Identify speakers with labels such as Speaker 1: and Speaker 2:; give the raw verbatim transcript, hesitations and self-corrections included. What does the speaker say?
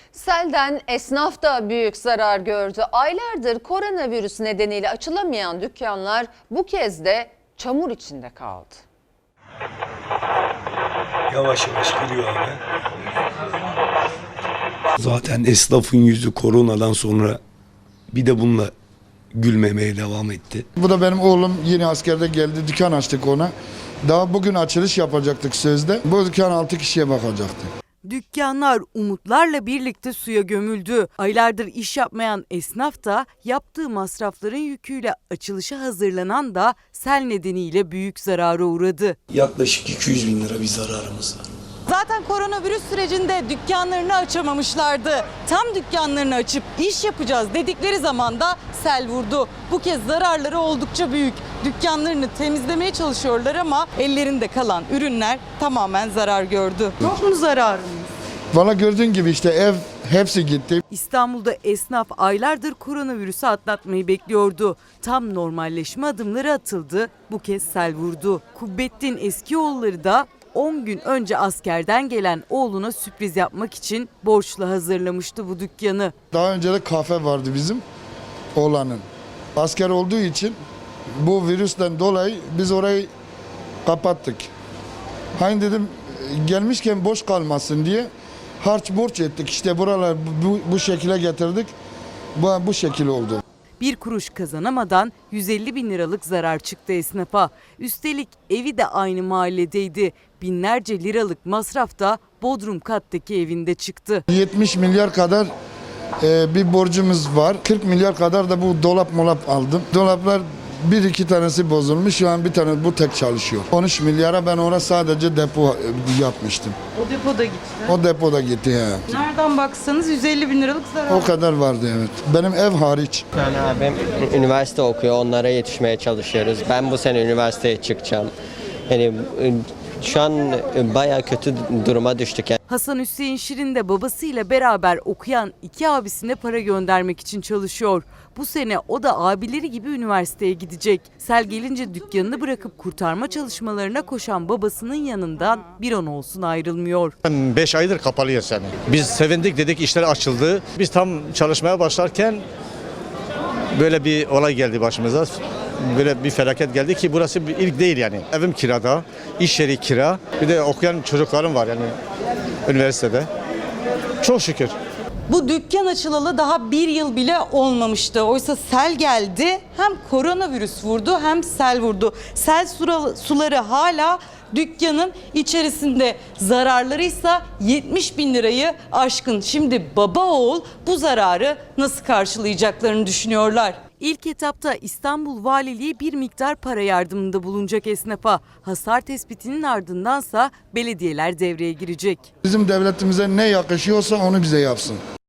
Speaker 1: Selden esnaf da büyük zarar gördü. Aylardır koronavirüs nedeniyle açılamayan dükkanlar bu kez de çamur içinde kaldı.
Speaker 2: Yavaş yavaş giriyor abi. Zaten esnafın yüzü koronadan sonra bir de bununla gülmemeye devam etti.
Speaker 3: Bu da benim oğlum, yeni askerde geldi, dükkan açtık ona. Daha bugün açılış yapacaktık sözde. Bu dükkan altı kişiye bakacaktı.
Speaker 4: Dükkanlar umutlarla birlikte suya gömüldü. Aylardır iş yapmayan esnaf da yaptığı masrafların yüküyle açılışa hazırlanan da sel nedeniyle büyük zarara uğradı.
Speaker 2: Yaklaşık iki yüz bin lira bir zararımız var.
Speaker 4: Zaten koronavirüs sürecinde dükkanlarını açamamışlardı. Tam dükkanlarını açıp iş yapacağız dedikleri zaman da sel vurdu. Bu kez zararları oldukça büyük. Dükkanlarını temizlemeye çalışıyorlar ama ellerinde kalan ürünler tamamen zarar gördü. Çok mu zararımız?
Speaker 3: Valla gördüğün gibi işte ev hepsi gitti.
Speaker 4: İstanbul'da esnaf aylardır koronavirüsü atlatmayı bekliyordu. Tam normalleşme adımları atıldı. Bu kez sel vurdu. Kubbettin Eskioğulları da on gün önce askerden gelen oğluna sürpriz yapmak için borçla hazırlamıştı bu dükkanı.
Speaker 3: Daha önce de kafe vardı bizim oğlanın. Asker olduğu için bu virüsten dolayı biz orayı kapattık. Hani dedim gelmişken boş kalmasın diye harç borç ettik. İşte buralar bu, bu şekilde getirdik. Bu, bu şekil oldu.
Speaker 4: Bir kuruş kazanamadan yüz elli bin liralık zarar çıktı esnafa. Üstelik evi de aynı mahalledeydi. Binlerce liralık masraf da Bodrum kattaki evinde çıktı.
Speaker 3: yetmiş milyar kadar e, bir borcumuz var. kırk milyar kadar da bu dolap molap aldım. Dolaplar bir iki tanesi bozulmuş. Şu an bir tane bu tek çalışıyor. on üç milyara ben orada sadece depo yapmıştım.
Speaker 4: O depoda gitti.
Speaker 3: O depoda gitti he.
Speaker 4: Nereden baksanız yüz elli bin liralık zarar.
Speaker 3: O kadar vardı evet. Benim ev hariç.
Speaker 5: Yani abim üniversite okuyor, onlara yetişmeye çalışıyoruz. Ben bu sene üniversiteye çıkacağım. Yani şu an bayağı kötü duruma düştük. Yani.
Speaker 4: Hasan Hüseyin Şirin de babasıyla beraber okuyan iki abisine para göndermek için çalışıyor. Bu sene o da abileri gibi üniversiteye gidecek. Sel gelince dükkanını bırakıp kurtarma çalışmalarına koşan babasının yanından bir an olsun ayrılmıyor.
Speaker 6: beş aydır kapalıyız yani. Biz sevindik, dedik işler açıldı. Biz tam çalışmaya başlarken böyle bir olay geldi başımıza. Böyle bir felaket geldi ki burası bir ilk değil yani. Evim kirada, iş yeri kira. Bir de okuyan çocuklarım var yani üniversitede. Çok şükür.
Speaker 4: Bu dükkan açılalı daha bir yıl bile olmamıştı. Oysa sel geldi, hem koronavirüs vurdu hem sel vurdu. Sel suları hala dükkanın içerisinde, zararlarıysa yetmiş bin lirayı aşkın. Şimdi baba oğul bu zararı nasıl karşılayacaklarını düşünüyorlar. İlk etapta İstanbul Valiliği bir miktar para yardımında bulunacak esnafa. Hasar tespitinin ardındansa belediyeler devreye girecek.
Speaker 3: Bizim devletimize ne yakışıyorsa onu bize yapsın.